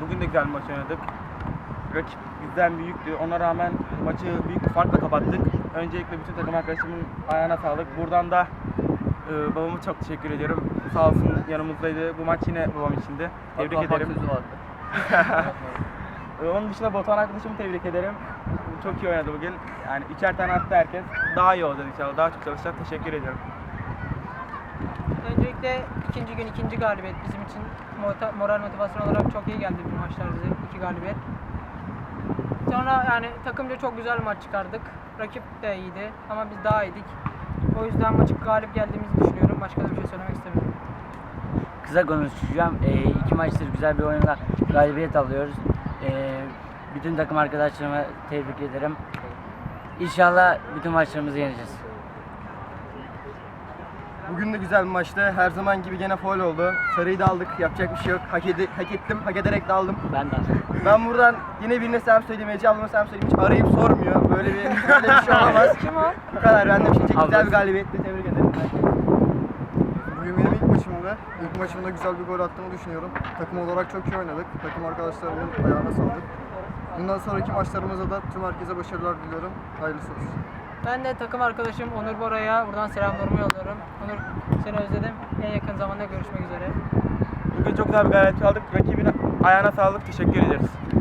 Bugün de güzel bir maç oynadık. Rakip bizden büyüktü. Ona rağmen maçı büyük bir farkla kapattık. Öncelikle bütün takım arkadaşımın ayağına sağlık. Buradan da babama çok teşekkür ediyorum. Sağ olsun yanımızdaydı. Bu maç yine babam içindi. Tebrik ederim. Onun dışında Batuhan arkadaşımı tebrik ederim. Çok iyi oynadı bugün. Yani üçer tane attı herkes. Daha iyi olacak inşallah. Daha çok çalışacak. Teşekkür ediyorum. Öncelikle ikinci gün ikinci galibiyet bizim için moral motivasyon olarak çok iyi geldi bu maçlar bize. 2 galibiyet. Sonra yani takımca çok güzel bir maç çıkardık. Rakip de iyiydi ama biz daha iyiydik. O yüzden maçı galip geldiğimizi düşünüyorum. Başka da bir şey söylemek istemiyorum. Kısa konuşacağım. İki maçtır güzel bir oyunla galibiyet alıyoruz. Bütün takım arkadaşlarıma tebrik ederim. İnşallah bütün maçlarımızı yeneceğiz. Bugün de güzel bir maçtı. Her zaman gibi gene faul oldu. Sarıyı da aldık. Yapacak bir şey yok. Hak ettim. Hak ederek de aldım. Ben de. Ben buradan yine birine selam söyleyeyim. Ece ablama selam söyleyeyim. Hiç arayıp sormuyor. Böyle bir şey olamaz. Kim o? Bu kadar. Ben de bir şey çektim. Güzel Ablası. bir galibiyetle tebrik ederim. Bugün benim ilk maçımdı. İlk maçımda güzel bir gol attığımı düşünüyorum. Takım olarak çok iyi oynadık. Takım arkadaşlarımın ayağına sağlık. Bundan sonraki maçlarımızda da tüm herkese başarılar diliyorum. Hayırlısı olsun. Ben de takım arkadaşım Onur Bora'ya buradan selamlarımı yolluyorum. Onur, seni özledim. En yakın zamanda görüşmek üzere. Bugün çok güzel bir galibiyet aldık. Rakibin ayağına sağlık. Teşekkür ederiz.